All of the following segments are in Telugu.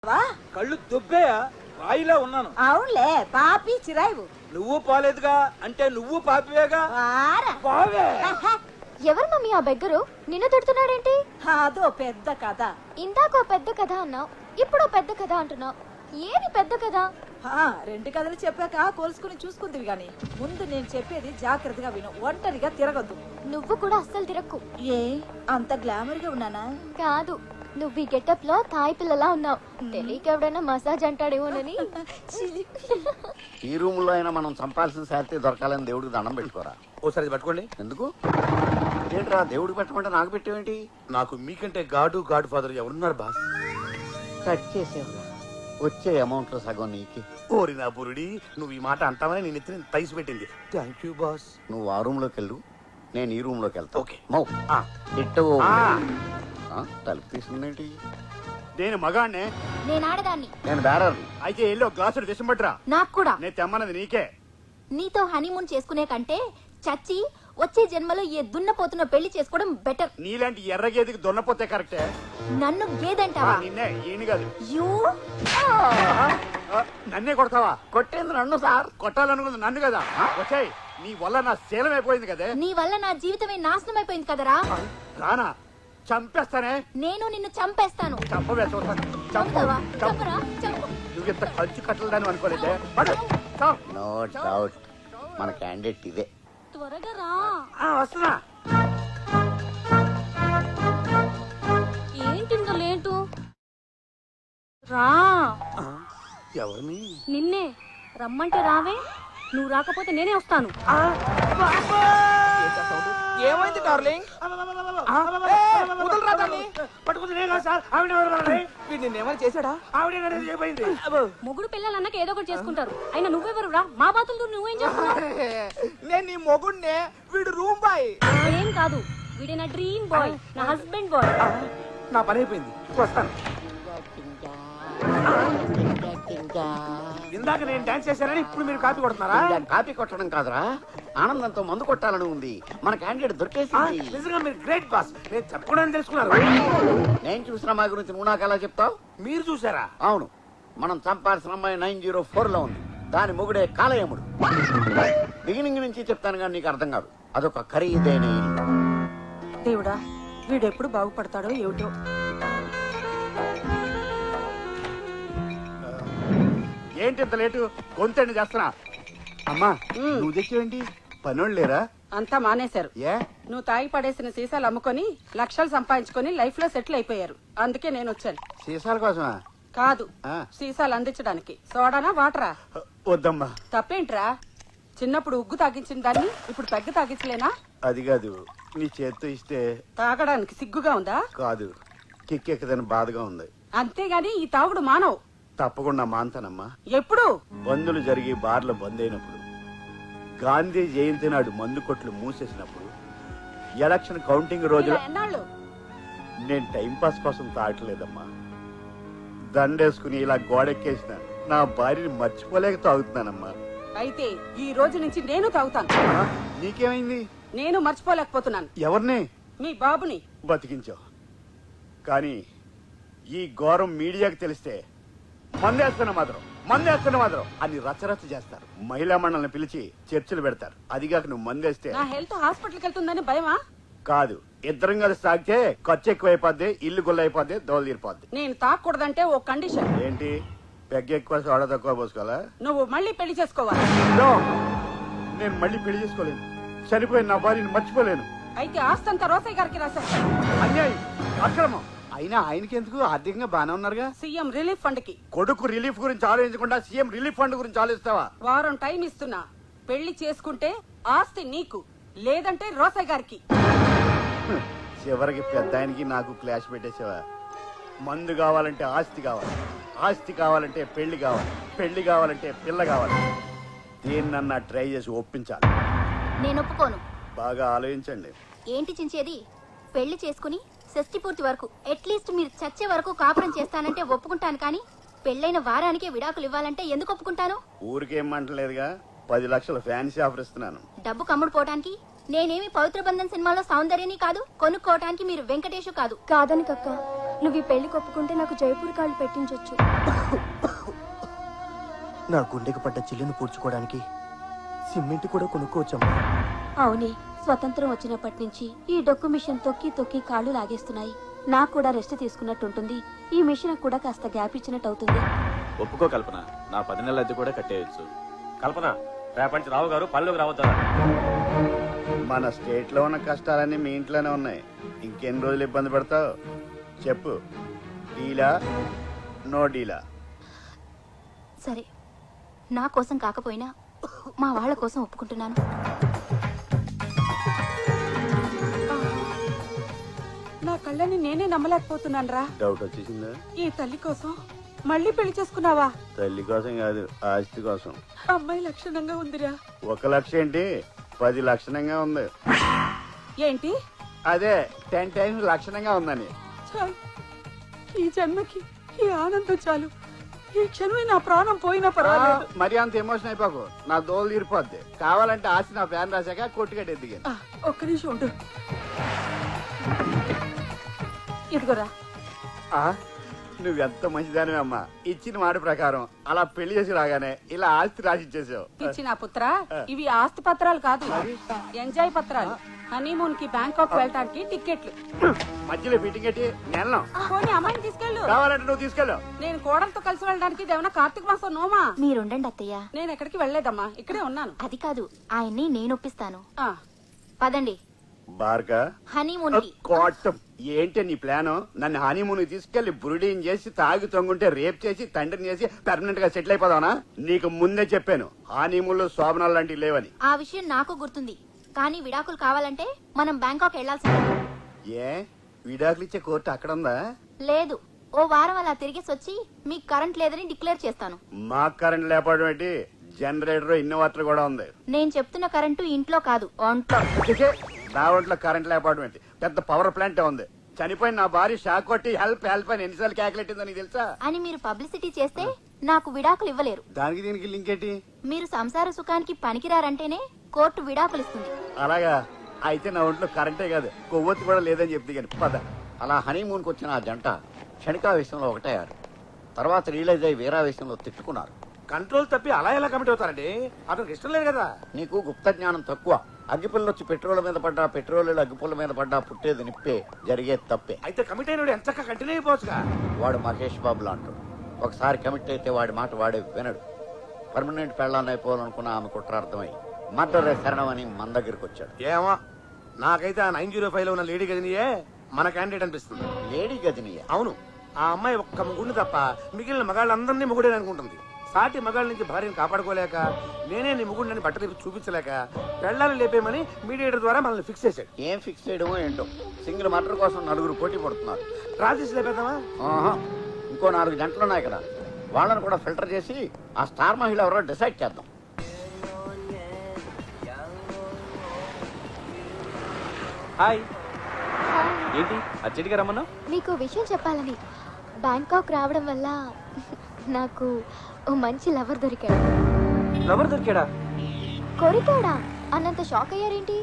కళ్ళు దుబ్బేయా రాయిలా ఉన్నాను. అవునులే పాపి చిరాయివు. నువ్వు పోలేదుగా అంటే నువ్వు పాపివేగా. ఎవరు మమ్మీ ఆ బెగ్గరు? నిన్ను తిడుతున్నాడేంటి? అదో పెద్ద కథ. ఇందాకో పెద్ద కథ అన్నావు, ఇప్పుడు పెద్ద కథ అంటున్నావు. ఏది పెద్ద కథ? రెండు కథలు చెప్పాక కోల్చుకుని చూసుకుందివి గాని ముందు నేను చెప్పేది జాగ్రత్తగా విను. ఒంటరిగా తిరగద్దు. నువ్వు కూడా అస్సలు తిరక్కు. ఏ అంత గ్లామర్ గా ఉన్నానా? కాదు, నువ్వు ఈ గెటప్ లో తాయి పిల్లలా ఉన్నావు. తెలియక ఎవడైనా మసాజ్ అంటాడేమోనని. ఈ రూమ్ లో అయినా మనం చంపాల్సిన శాలరీ దొరకాలని దేవుడికి దండం పెట్టుకోరా. ఓసారి పట్టుకోండి. ఎందుకు ఏంట్రా దేవుడికి పెట్టమంటే నాకు పెట్టేవేంటి? నాకు మీకంటే గాడు ఫాదర్ ఎవరున్నారు బాస్? కట్ చేసేవరా వచ్చే అమౌంట్ లో సగం నీకి. ఓరి నా బురుడి, నువ్వు ఈ మాట అంటావని నేను ఎత్తిన తైసి పెట్టింది. Thank you boss. నువ్వు ఆ రూమ్ లోకి వెళ్ళు, నేను ఈ రూమ్ లోకి వెళ్తా. ఓకే. మౌ ఇట్టు తలుపు తీసుకుందేంటి? నేను మగాణ్ణే. నేను ఆడదాన్ని. నేను బేరర్ని. అయితే ఎల్లో గ్లాసులు విషంపట్రా. నాకు కూడా. నేను తెమ్మన్నది నీకే. నీతో హనీమూన్ చేసుకునే కంటే చచ్చి వచ్చే జన్మలో ఏ దున్నపోతున్న పెళ్లి చేసుకోవడం బెటర్. నీలాంటి ఎర్ర గేదెకి దొన్నపోతే కరెక్టే. నన్ను గేదంటావా? నిన్నే ఈయన కాదు. యూ నన్నే కొడతావా? కొట్టేంది నన్ను సార్. కొట్టాలనుకుంది నన్ను కదా. వచ్చాయి నీ వల్ల నా శీలం అయిపోయింది కదే. నీ వల్ల నా జీవితమే నాశనం అయిపోయింది కదరా. రానా చంపేస్తానే. నేను నిన్ను చంపేస్తాను. చంపవే చూస్తాను. చంపుతావా? చంపురా, చంపు. నువ్వు ఇంత ఖర్చు కట్టలేదని అనుకోలేదే. పడు. చావ్. నో డౌట్ మన క్యాండిడేట్ ఇదే. త్వరగా రా. వస్తున్నా. ఏంటింత లేటు? రా. ఎవరిని? నిన్నే రమ్మంటే రావే. నువ్వు రాకపోతే నేనే వస్తాను. ఏమైంది డార్లింగ్? పట్టుకుంది నేను కాదు సార్. ఆవిడ నిన్నేమైనా చేశాడా? ఆవిడ అయిపోయింది. మొగుడు పిల్లలన్నాక ఏదో ఒకటి చేసుకుంటారు. అయినా నువ్వెవరు రా? మా బాతులతో నువ్వేం చేస్తున్నావు? నేను నీ మొగుడినే, వీడు రూమ్ బాయ్. ఏం కాదు, వీడే నా డ్రీమ్ బాయ్, నా హస్బెండ్ బాయ్. నా పని అయిపోయింది, వస్తాను. ఇందాక నేను డాన్స్ చేశానని ఇప్పుడు మీరు కాపీ కొడుతున్నారా? కాపీ కొట్టడం కాదురా, ఆనందంతో మందు కొట్టాలని ఉంది. మన క్యాండిడేట్ దొరికేసింది. నిజంగా మీరు గ్రేట్ బాస్. నేను చెప్పకూడదని తెలుసుకున్నారు. నేను చూసిన మా గురించి నువ్వు నాకు ఎలా చెప్తావు? మీరు చూసారా? అవును, మనం చంపాల్సిన అమ్మాయి 904 లో ఉంది. దాని మొగుడే కాలయముడు. బిగినింగ్ నుంచి చెప్తాను కానీ నీకు అర్థం కాదు. అదొక ఖరీదైన ఇల్లు. దేవుడా, వీడెప్పుడు బాగుపడతాడో ఏమిటో. ఏంటి ఇంత లేటు? గొంతండి చేస్తున్నా. అమ్మా నువ్వు తెచ్చేవేంటి? పనోళ్ళు లేరా? అంతా మానేశారు. ఏ నువ్వు తాగి పడేసిన సీసాలు అమ్ముకొని లక్షలు సంపాదించుకొని లైఫ్ లో సెటిల్ అయిపోయారు. అందుకే నేను వచ్చాను. సీసాల కోసమా? కాదు, ఆ. సీసాలు అందించడానికి. సోడానా వాటరా? వద్దమ్మా. తప్పేంట్రా? చిన్నప్పుడు ఉగ్గు తాగించిన దాన్ని ఇప్పుడు పెగ్గ తాగించలేనా? అది కాదు, నీ చేత్తో ఇస్తే. తాగడానికి సిగ్గుగా ఉందా? కాదు, కిక్కెక్కదని బాధగా ఉంది. అంతేగాని ఈ తాగుడు మానవు. తప్పకుండా మాన్తానమ్మా. ఎప్పుడు? బందులు జరిగి బార్లు బంద్ అయినప్పుడు, గాంధీ జయంతి నాడు మందు కొట్లు మూసేసినప్పుడు, ఎలక్షన్ కౌంటింగ్ రోజులు. ఇలా ఎన్నాళ్ళు? నేను టైం పాస్ కోసం తాగట్లేదమ్మా. దండేసుకుని ఇలా గోడెక్కేసిన నా భార్యని మర్చిపోలేక తాగుతున్నానమ్మా. అయితే ఈ రోజు నుంచి నేను తాగుతాను. నీకేమైంది? నేను మర్చిపోలేకపోతున్నాను. ఎవరిని? మీ బాబుని. బతికించావు. కానీ ఈ ఘోరం మీడియాకి తెలిస్తే మందేస్తున్న మాత్రం అని రచ్చరచ్చ చేస్తారు. మహిళా మండలిని పిలిచి చర్చలు పెడతారు. అదిగాక నువ్వు మందేస్తే నా హెల్త్ హాస్పిటల్కి వెళ్తుందని భయమా? కాదు, ఇద్దరం కలిసి తాగితే ఖర్చు ఎక్కువైపోద్ది, ఇల్లు గుల్లైపోద్ది, దోలు తీరిపోద్ది. నేను తాగకూడదంటే ఓ కండిషన్. ఏంటి? పెగ్గ ఎక్కువ సోడా తక్కువ పోసుకోవాలా? నువ్వు మళ్ళీ పెళ్లి చేసుకోవాలి. No! నేను మళ్ళీ పెళ్లి చేసుకోలేను. చనిపోయిన నా భార్యని మర్చిపోలేను. అయితే ఆస్తంతా రోసయ్య గారికి రాశారు. అన్యాయం, అక్రమం. అయినా ఆయనకి ఎందుకు? ఆర్థికంగా బానే ఉన్నారుగా. సీఎం రిలీఫ్ ఫండ్ కి. కొడుకు రిలీఫ్ గురించి ఆలోచించకుండా సీఎం రిలీఫ్ ఫండ్ గురించి ఆలోచిస్తావా? వారం టైం ఇస్తున్నా. పెళ్లి చేసుకుంటే ఆస్తి నీకు, లేదంటే రోసయ్య గారికి. చివరికి పెద్ద ఆయనకి నాకు క్లాష్ పెట్టేసావా? మందు కావాలంటే ఆస్తి కావాలి, ఆస్తి కావాలంటే పెళ్లి కావాలి, పెళ్లి కావాలంటే పిల్ల కావాలి. దేన్నన్నా ట్రై చేసి ఒప్పించాలి. నేను ఒప్పుకోను. బాగా ఆలోచించండి. ఏంటి చించేది? పెళ్లి చేసుకుని షష్టి పూర్తి వరకు అట్లీస్ట్ మీరు చచ్చే వరకు కాపురం చేస్తానంటే ఒప్పుకుంటాను, కానీ పెళ్ళైన వారానికే విడాకులు ఇవ్వాలంటే ఎందుకు ఒప్పుకుంటాను? ఊరికేం మంటలేదుగా. 10 లక్షల ఫ్యాన్సీ ఆఫర్ ఇస్తున్నాను. డబ్బు కమ్ముడు పోవటానికి? నేనేమి పవిత్ర బంధన్ సినిమాలో సౌందర్యని కాదు, కొనుక్కోవటానికి మీరు వెంకటేష్ కాదు. కాదని కక్క, నువ్వు ఈ పెళ్లి కొప్పుకుంటే నాకు జైపూర్ కాళ్ళు పెట్టించొచ్చు. నా గుండెకి పడ్డ చిల్లును పూడ్చుకోవడానికి సిమెంట్ కూడా కొనుక్కోవచ్చమ్మా. అవునే, స్వతంత్రం వచ్చినప్పటి నుంచి ఈ డొక్కు మిషన్ తొక్కి తొక్కి కాళ్ళు లాగేస్తున్నాయి. నాకు కూడా రెస్ట్ తీసుకున్నట్టుంటుంది. ఈ మిషన్ కూడా కాస్త గ్యాప్ ఇచ్చినట్టు అవుతుంది. ఒప్పుకో కల్పన, నా 10 నెలల అద్దె కూడా కట్టేయచ్చు. కల్పన, రేపటి రావు గారు పనిలోకి రావద్దారా? మన స్టేట్ లో ఉన్న కష్టాలన్నీ మీ ఇంట్లోనే ఉన్నాయి. ఇంకెన్ని రోజులు ఇబ్బంది పడతావు చెప్పు. డీలా నో డీలా? సరే, నా కోసం కాకపోయినా మా వాళ్ళ కోసం ఒప్పుకుంటున్నాను. నా కళ్ళని నేనే నమ్మలేకపోతున్నాను రా. డౌట్ వచ్చేసిందా? ఈ తల్లి కోసం మళ్ళీ పెళ్లి చేసుకున్నావా? తల్లి కోసం కాదు, ఆస్తి కోసం. అమ్మాయి లక్షణంగా ఉందిరా. 1 లక్ష ఏంటి, 10 లక్షణంగా ఉంది. ఏంటి? అదే 10 టైమ్స్ లక్షణంగా ఉందని. చాలు, ఈ జన్మకి ఈ ఆనందం చాలు. ఈ క్షణమే నా ప్రాణం పోయినా పర్వాలేదు. మరి అంత ఎమోషన్ అయిపోకు, నా దోలు తీరిపోద్ది. కావాలంటే ఆస్తి నా ఫ్యాన్ రాశాక కొట్టుకట్టి ఎదిగాను. ఒక్క నిమిషం ఉండు. ఇదిగోరా. నువ్వెంత మంచిదానివే అమ్మా. ఇచ్చిన మాట ప్రకారం అలా పెళ్లి చేసి రాగానే ఇలా ఆస్తి రాసి ఇచ్చేసావు. ఇచ్చిన పుత్ర, ఇవి ఆస్తి పత్రాలు కాదు, ఎంజాయ్ పత్రాలు. హనీమూన్ కి బ్యాంకాక్ వెళ్ళటానికి టికెట్లు. మధ్యలో ఫిట్టింగ్ ఎట్టి నెలను పోనీ అమ్మాయిని తీసుకెళ్ళు. కావాలంటే నువ్వు తీసుకెళ్ళు. నేను కోడలతో కలిసి వెళ్ళడానికి ఇదేమన్నా కార్తీక మాసం నోమా? మీరుండండి అత్తయ్య. నేను ఎక్కడికి వెళ్ళలేదమ్మా, ఇక్కడే ఉన్నాను. అది కాదు, ఆయన్ని నేను ఒప్పిస్తాను. ఆ, పదండి బార్గా హనీమూన్ కి. కోటం ఏంటి నీ ప్లాను? నన్ను హనీమూన్ తీసుకెళ్లి బురుడీని చేసి తాగి తొంగుంటే రేప్ చేసి తండ్రిని చేసి పర్మనెంట్ గా సెటిల్ అయిపోదావనా? నీకు ముందే చెప్పాను హనీమూన్ లో శోభనాలు లాంటివి లేవని. ఆ విషయం నాకు గుర్తుంది, కానీ విడాకులు కావాలంటే మనం బ్యాంకాక్ వెళ్లాల్సిందే. ఏ విడాకులు ఇచ్చే కోర్టు అక్కడ ఉందా? లేదు, ఓ వారం అలా తిరిగేసి వచ్చి మీకు కరెంట్ లేదని డిక్లేర్ చేస్తాను. మాకు కరెంట్ లేకపోవడం ఏంటి? జనరేటర్ ఇన్వర్టర్ కూడా ఉంది. నేను చెప్తున్న కరెంటు ఇంట్లో కాదు, ఒంట్లో. అందుకే నా ఒంట్లో కరెంట్ లేకపోవడం ఏంటి? పెద్ద పవర్ ప్లాంట్ ఉంది. చనిపోయిన నా భార్య షాక్ కొట్టి హెల్ప్ హెల్ప్ అని ఎన్నిసార్లు క్యాకులెట్టిందో నీకు తెలుసా? అని మీరు పబ్లిసిటీ చేస్తే నాకు విడాకులు ఇవ్వలేరు. దానికి దీనికి లింక్ ఏంటి? మీరు సంసార సుఖానికి పనికిరారంటేనే కోర్టు విడాకులు ఇస్తుంది. అలాగా అయితే నా ఒంట్లో కరెంటే కాదు కొవ్వొత్తి కూడా లేదని చెప్తే కానీ పద. అలా హనీమూన్కి వచ్చిన ఆ జంట క్షణికావేశంలో ఒకటయ్యారు. తర్వాత రియలైజ్ అయ్యి వీరావేశంలో తిట్టుకున్నారు. కంట్రోల్ తప్పి అలా ఎలా కమిట్ అవుతారండి? అతనికి ఇష్టం లేదు కదా. నీకు గుప్త జ్ఞానం తక్కువ. అగ్గిపుల్ల వచ్చి పెట్రోల్ మీద పడ్డా, పెట్రోల్ అగ్గిపుల్ల మీద పడ్డా పుట్టేది నిప్పే, జరిగేది తప్పే. అయితే కమిట్ అయినోడు ఎంత కంటిన్యూ అయిపోవచ్చుగా. వాడు మహేష్ బాబు లాంటాడు. ఒకసారి కమిట్ అయితే వాడి మాట వాడే వినడు. పర్మనెంట్ పెళ్ళాన్ని అయిపోవాలనుకున్న ఆమె కుట్రార్థమై మర్డరే శరణమని మన దగ్గరికి వచ్చాడు. ఏమో, నాకైతే ఆ 905 లో ఉన్న లేడీ గదినియే మన క్యాండిడేట్ అనిపిస్తుంది. లేడీ గదిని అవును, ఆ అమ్మాయి ఒక్క ముగ్గురిని తప్ప మిగిలిన మగాళ్ళందరినీ ముగుడే అనుకుంటుంది. సాటి మగాళ్ళ నుంచి భార్యను కాపాడుకోలేక, నేనే నీ ముగుడిని బట్టలు చూపించలేక పెళ్ళాలు లేపేమని మీడియేటర్ ద్వారా మనల్ని ఫిక్స్ చేశాడు. ఏం ఫిక్స్ చేయడమో ఏంటో. సింగిల్ మర్డర్ కోసం 4 పోటీ పడుతున్నారు. రాజేష్ లేపేద్దామా? ఆహా, ఇంకో 4 గంటలు ఉన్నాయి కదా, వాళ్ళని కూడా ఫిల్టర్ చేసి ఆ స్టార్ మహిళ ఎవరో డిసైడ్ చేద్దాం. హాయ్, ఏంటి అర్జెంట్గా రమ్మన్నావు? మీకు విషయం చెప్పాలని. బ్యాంకాక్ రావడం వల్ల నాకు ఓ మంచి లవర్ దొరికాడు. లవర్ దొరికాడా? కొరికాడా అన్నంత షాక్ అయ్యారేంటి?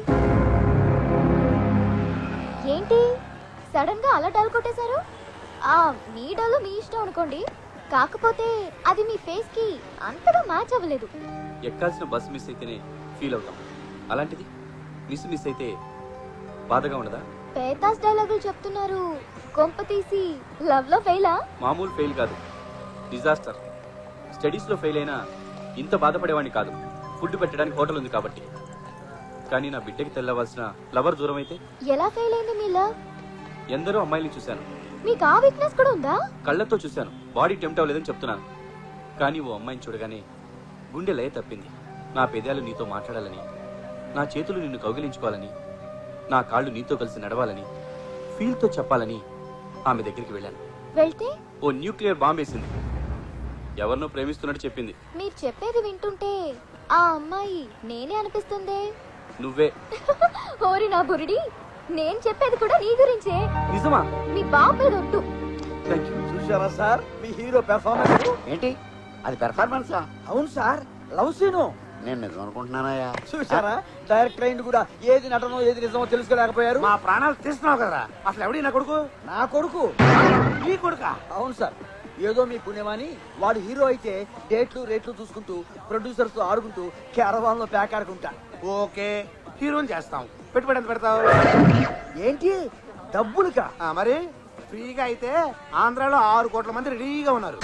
ఏంటి సడన్ గా అలా డల్ కొట్టేశారు? ఆ మీ డల్ మీ ఇష్టం అనుకోండి, కాకపోతే అది మీ ఫేస్ కి అంతగా మ్యాచ్ అవ్వలేదు. ఎక్కాల్సిన బస్ మిస్ అయితేనే ఫీల్ అవుతాం, అలాంటిది మిస్ అయితే బాధగా ఉండదా? పేతాస్ డైలాగులు చెప్తున్నారు. కొంప తీసి లవ్ లో ఫెయిలా? మామూలు ఫెయిల్ కాదు, డిజాస్టర్. స్టడీస్లో ఫెయిల్ అయినా ఇంత బాధపడేవాడిని కాదు, ఫుడ్ పెట్టడానికి హోటల్ ఉంది కాబట్టి. కానీ నా బిడ్డకి తెల్లవలసిన లవర్ దూరం అయితే ఎలా ఫెయిల్ అయింది మీ లవ్? ఎందరో అమ్మాయిని చూశాను, మీకు ఆ వీక్నెస్ కూడా ఉందా? కళ్ళతో చూశాను, బాడీ టెంప్ట్ అవ్వలేదని చెప్తున్నాను. కానీ ఓ అమ్మాయిని చూడగానే గుండె లయ తప్పింది. నా పెదాలు నీతో మాట్లాడాలని, నా చేతులు నిన్ను కౌగిలించుకోవాలని, నా కాళ్ళు నీతో కలిసి నడవాలని, ఫీల్తో చెప్పాలని ఆమె దగ్గరికి వెళ్ళాను. వెళ్తే ఓ న్యూక్లియర్ బాంబ్ వేసింది. ఎవరినో ప్రేమిస్తున్నట్టు చెప్పింది. మీరు చెప్పేది వింటుంటే ఆ అమ్మాయి నేనే అనిపిస్తుందే. నువ్వే. ఓరి నా బురిడి, నేను చెప్పేది కూడా నీ గురించే. నిజమా? మీ బాబు మీద ఒట్టు. Thank you. చూసావా సార్ మీ హీరో పెర్ఫార్మెన్స్? ఏంటి అది పెర్ఫార్మెన్సా? అవును సార్, లవ్ సీను. నేను నిజం అనుకుంటున్నానయ్యా. చూసారా, డైరెక్టర్ అయింది కూడా ఏది నటనో ఏది నిజమో తెలుసుకోలేకపోయారు. మా ప్రాణాలు తీస్తున్నావు కదా, అసలు ఎవడి నా కొడుకు? నా కొడుకు నీ కొడుక అవును సార్, ఏదో మీ పుణ్యమని వాడు హీరో అయితే డేట్లు రేట్లు చూసుకుంటూ ప్రొడ్యూసర్స్ తో ఆడుకుంటూ క్యారవాన్ లో ప్యాక్ ఆడుకుంటా. ఓకే, హీరోని చేస్తాం. పెట్టుబడి ఎంత పెడతావు? ఏంటి డబ్బులుకా? మరి ఫ్రీగా అయితే ఆంధ్రాలో 6 కోట్ల మంది రెడీగా ఉన్నారు.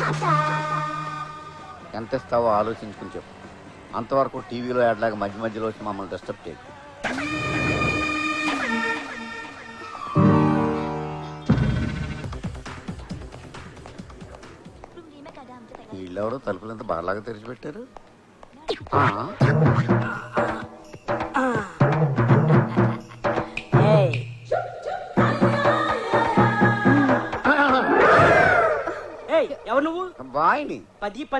ఎంత ఇస్తావో ఆలోచించుకుని చెప్పు. అంతవరకు టీవీలో యాడ్లాగా మధ్య మధ్యలో వచ్చి మమ్మల్ని డిస్టర్బ్ చేయకు. వీళ్ళెవరో తలుపులంత బాగా తెరిచిపెట్టారు. ఎవరు నువ్వు? బాయ్ని. 10